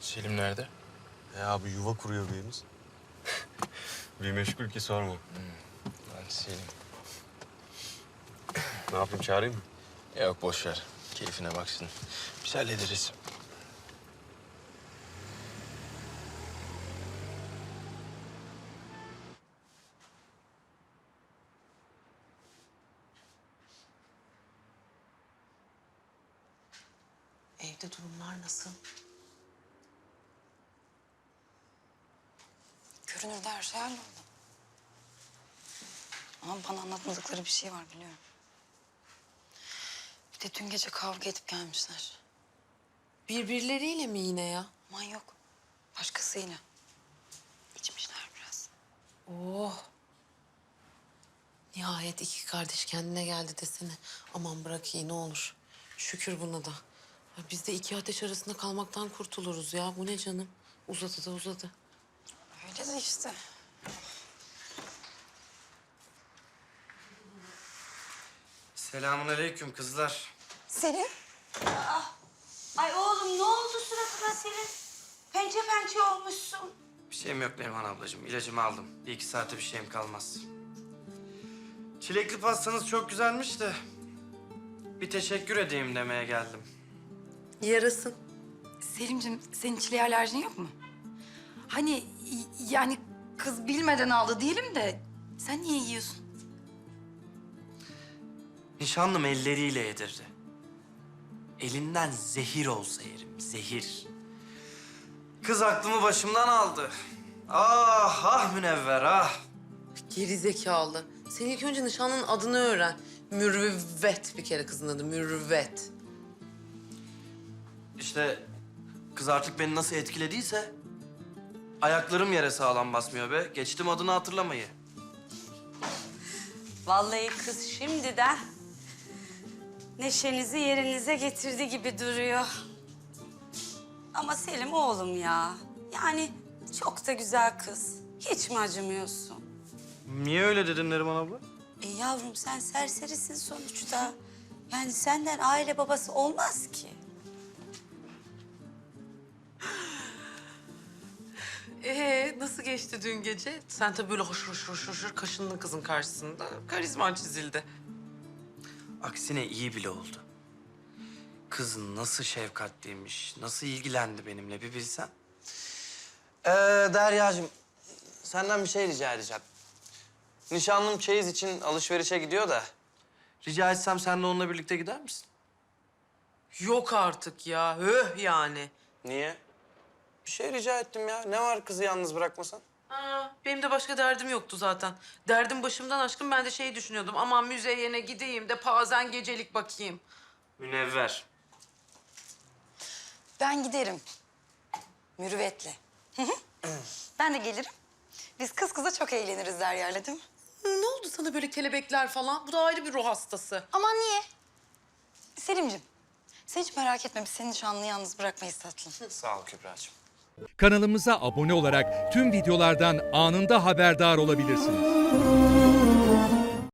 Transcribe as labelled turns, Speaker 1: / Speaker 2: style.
Speaker 1: Selim nerede?
Speaker 2: Abi yuva kuruyor birimiz. Bir meşgul ki sorma.
Speaker 1: Lan Selim.
Speaker 2: Ne yapayım, çağırayım mı?
Speaker 1: Yok boş ver. Keyfine baksın. Biz hallederiz.
Speaker 3: Evde durumlar nasıl?
Speaker 4: Görünürde her şey halloldu. Ama bana anlatmadıkları bir şey var biliyorum. Bir de dün gece kavga edip gelmişler.
Speaker 3: Birbirleriyle mi yine ya?
Speaker 4: Aman yok. Başkasıyla. İçmişler biraz.
Speaker 3: Oh. Nihayet iki kardeş kendine geldi desene. Aman bırak iyi ne olur. Şükür buna da. Ya biz de iki ateş arasında kalmaktan kurtuluruz ya. Bu ne canım? Uzadı da uzadı.
Speaker 4: Öyle de işte.
Speaker 5: Selamünaleyküm kızlar.
Speaker 4: Selim.
Speaker 6: Ay oğlum ne oldu suratına senin? Pençe pençe olmuşsun.
Speaker 5: Bir şeyim yok Neriman ablacığım. İlacımı aldım. Bir iki saate bir şeyim kalmaz. Çilekli pastanız çok güzelmiş de... bir teşekkür edeyim demeye geldim.
Speaker 3: Yarasın.
Speaker 4: Selimciğim senin çileğe alerjin yok mu? Hani yani kız bilmeden aldı diyelim de sen niye yiyorsun?
Speaker 5: Nişanlım elleriyle yedirdi. Elinden zehir olsa yerim, zehir. Kız aklımı başımdan aldı. Ah, ah Münevver, ah.
Speaker 3: Geri zekalı. Sen ilk önce nişanlının adını öğren. Mürüvvet bir kere kızın adı. Mürüvvet.
Speaker 5: İşte kız artık beni nasıl etkilediyse... ayaklarım yere sağlam basmıyor be. Geçtim adını hatırlamayı.
Speaker 6: Vallahi kız şimdiden neşenizi yerinize getirdi gibi duruyor. Ama Selim oğlum ya. Yani çok da güzel kız. Hiç mi acımıyorsun?
Speaker 5: Niye öyle dedin Neriman abla?
Speaker 6: Yavrum sen serserisin sonuçta. Yani senden aile babası olmaz ki.
Speaker 3: Nasıl geçti dün gece? Sen tabii böyle hoşur kaşındın kızın karşısında. Karizman çizildi.
Speaker 5: Aksine iyi bile oldu. Kız nasıl şefkatliymiş, nasıl ilgilendi benimle bir bilsen. Deryacığım, senden bir şey rica edeceğim. Nişanlım çeyiz için alışverişe gidiyor da... rica etsem sen de onunla birlikte gider misin?
Speaker 3: Yok artık ya. Höh yani.
Speaker 5: Niye? Bir şey rica ettim ya. Ne var kızı yalnız bırakmasan?
Speaker 3: Benim de başka derdim yoktu zaten. Derdim başımdan aşkın ben de şeyi düşünüyordum. Aman müzeyene gideyim de pazen gecelik bakayım.
Speaker 5: Münevver.
Speaker 4: Ben giderim. Mürüvvetle. Ben de gelirim. Biz kız kıza çok eğleniriz Derya'yla değil mi?
Speaker 3: Ne oldu sana böyle kelebekler falan? Bu da ayrı bir ruh hastası.
Speaker 4: Aman niye? Selimciğim, sen hiç merak etme. Biz seni nişanlını yalnız bırakmayız tatlım.
Speaker 5: Sağ ol Kübra'cığım.
Speaker 7: Kanalımıza abone olarak tüm videolardan anında haberdar olabilirsiniz.